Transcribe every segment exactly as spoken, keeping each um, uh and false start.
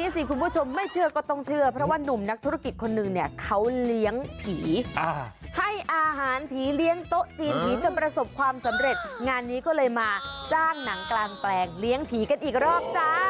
สิคุณผู้ชมไม่เชื่อก็ต้องเชื่อเพราะว่าหนุ่มนักธุรกิจคนหนึ่งเนี่ยเขาเลี้ยงผีให้อาหารผีเลี้ยงโต๊ะจีนผีจนประสบความสำเร็จงานนี้ก็เลยมาจ้างหนังกลางแปลงเลี้ยงผีกันอีกรอบจ้า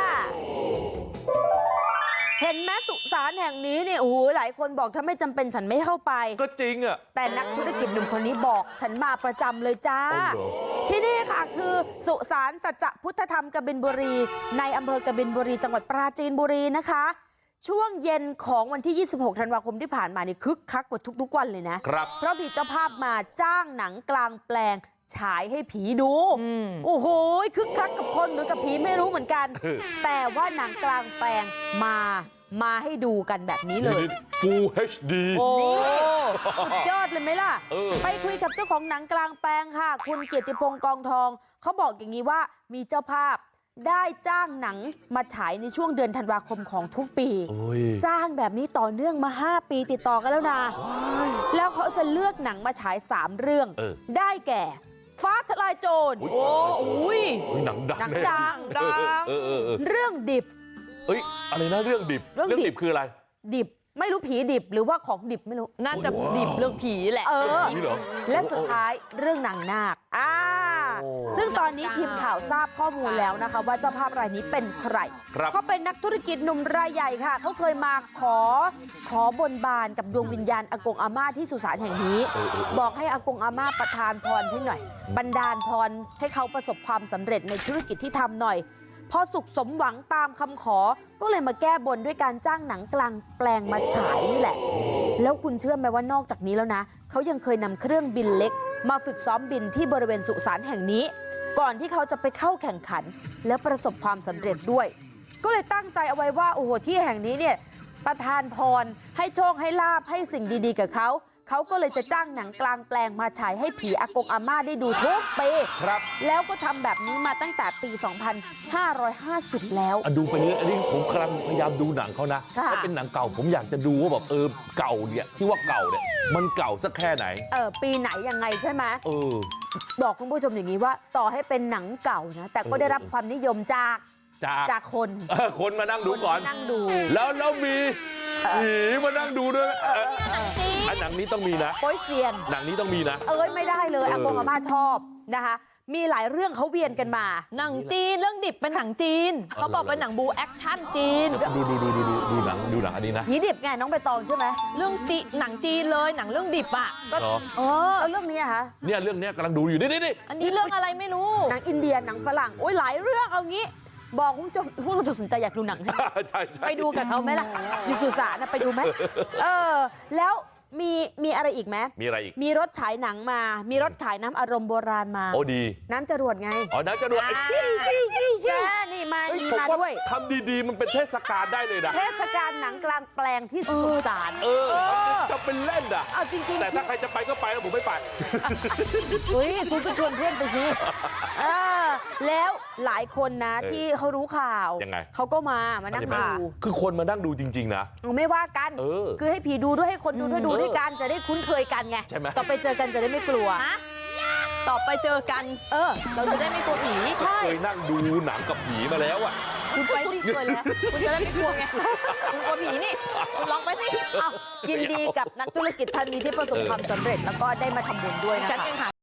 เห็นไหมสุสานแห่งนี้เนี่ยโอ้โหหลายคนบอกถ้าไม่จำเป็นฉันไม่เข้าไปก็จริงอ่ะแต่นักธุรกิจหนุ่มคนนี้บอกฉันมาประจำเลยจ้าที่นี่ค่ะคือสุสานสัจจะพุทธธรรมกบินบุรีในอำเภอกบินบุรีจังหวัดปราจีนบุรีนะคะช่วงเย็นของวันที่ยี่สิบหกธันวาคมที่ผ่านมานี่คึกคักกว่าทุกๆวันเลยนะครับเพราะมีเจ้าภาพมาจ้างหนังกลางแปลงฉายให้ผีดูโอ้โหคึกคักกับคนหรือกับผีไม่รู้เหมือนกันแต่ว่าหนังกลางแปลงมามาให้ดูกันแบบนี้เลย Full เอช ดีโอ้สุดยอดเลยไหมล่ะไปคุยกับเจ้าของหนังกลางแปลงค่ะคุณเกียรติพงษ์กองทองเขาบอกอย่างนี้ว่ามีเจ้าภาพได้จ้างหนังมาฉายในช่วงเดือนธันวาคมของทุกปีจ้างแบบนี้ต่อเนื่องมาห้าปีติดต่อกันแล้วนะแล้วเขาจะเลือกหนังมาฉายสามเรื่องได้แก่ฟ้าทลายโจรโอ้ยหนังดังหนังดังดังเรื่องดิบเอ้ยอะไรนะเรื่องดิบเรื่องดิบคืออะไรดิบไม่รู้ผีดิบหรือว่าของดิบไม่รู้น่าจะดิบเรื่องผีแหละเออและสุดท้ายเรื่องนางนาคอ่าซึ่งตอนนี้ทีมข่าวทราบข้อมูลแล้วนะคะว่าเจ้าภาพรายนี้เป็นใครเขาเป็นนักธุรกิจหนุ่มรายใหญ่ค่ะเขาเคยมาขอขอบนบานกับดวงวิญญาณอากงอาม่าที่สุสานแห่งนี้บอกให้อากงอาม่าประทานพรให้หน่อยบันดาลพรให้เขาประสบความสำเร็จในธุรกิจที่ทำหน่อยพอสุขสมหวังตามคำขอก็เลยมาแก้บนด้วยการจ้างหนังกลางแปลงมาฉายนี่แหละแล้วคุณเชื่อไหมว่านอกจากนี้แล้วนะเขายังเคยนำเครื่องบินเล็กมาฝึกซ้อมบินที่บริเวณสุสานแห่งนี้ก่อนที่เขาจะไปเข้าแข่งขันและประสบความสำเร็จด้วยก็เลยตั้งใจเอาไว้ว่าโอ้โหที่แห่งนี้เนี่ยประทานพรให้โชคให้ลาภให้สิ่งดีๆกับเขาเขาก็เลยจะจ้างหนังกลางแปลงมาฉายให้ผีอากงอาม่าได้ดูทุกปีแล้วก็ทำแบบนี้มาตั้งแต่ปี สองพันห้าร้อยห้าสิบ แล้วดูไปนี้อันนี้ผมกำลังพยายามดูหนังเขานะถ้าเป็นหนังเก่าผมอยากจะดูว่าแบบเออเก่าเนี่ยที่ว่าเก่าเนี่ยมันเก่าสักแค่ไหนเออปีไหนยังไงใช่ไหมเออบอกคุณผู้ชมอย่างนี้ว่าต่อให้เป็นหนังเก่านะแต่ก็ได้รับความนิยมจากจากจากคนคนมานั่งดูก่อนนั่งดูแล้วแล้วมีผีมานั่งดูด้วยอันหนังนี้ต้องมีนะโป๊ยเซียนหนังนี้ต้องมีนะเอ้ยไม่ได้เลยอากงอาม่าชอบนะคะมีหลายเรื่องเขาเวียนกันมาหนังจีนเรื่องดิบเป็นหนังจีนเขาบอกเป็นหนังบูแอคชั่นจีนดูดูดูดูดูดูหนังดูหนังอันนี้นะผีดิบไงน้องใบตองใช่ไหมเรื่องจีหนังจีนเลยหนังเรื่องดิบอ่ะก็เออเรื่องนี้อะคะเนี่ยเรื่องนี้กำลังดูอยู่นี่นี่อันนี้เรื่องอะไรไม่รู้หนังอินเดียหนังฝรั่งโอ้ยหลายเรื่องเอางี้บอกคุณผู้ชมผู้ชมสนใจอยากดูหนังใช่ไปดูกับเขาไหมล่ะอยู่สุสานนะไปดูไหมเออแล้วมีมีอะไรอีกไหมมีอะไรอีกมีรถฉายหนังมามีรถขายน้ำอารมณ์โบราณมาโอ้ดีน้ำจรวดไงอ๋อน้ำจรวดแค่นี่มามีมาด้วยทำดีๆมันเป็นเทศกาลได้เลยนะเทศกาลหนังกลางแปลงที่สุสานเออจะเป็นเล่นอ่ะเอาจริงๆแต่ถ้าใครจะไปก็ไปแล้วผมไม่ไปเฮ้ยคุณก็ชวนเพื่อนไปสิเออแล้วหลายคนนะที่เขารู้ข่าวยังไงเขาก็มามานั่งดูคือคนมานั่งดูจริงๆนะไม่ว่ากันคือให้ผีดูด้วยให้คนดูด้วยดูด้วยกันจะได้คุ้นเคยกันไงต่อไปเจอกันจะได้ไม่กลัวต่อไปเจอกันเออเราจะได้ไม่กลัวผีเคยนั่งดูหนังกับผีมาแล้วอ่ะคุณไปที่เคยแล้วคุณจะได้ไม่กลัวไงคุณกลัวผีนี่คุณลองไปสิยินดีกับนักธุรกิจท่านนี้ที่ประสบความสำเร็จแล้วก็ได้มาทำบุญด้วยนะคะ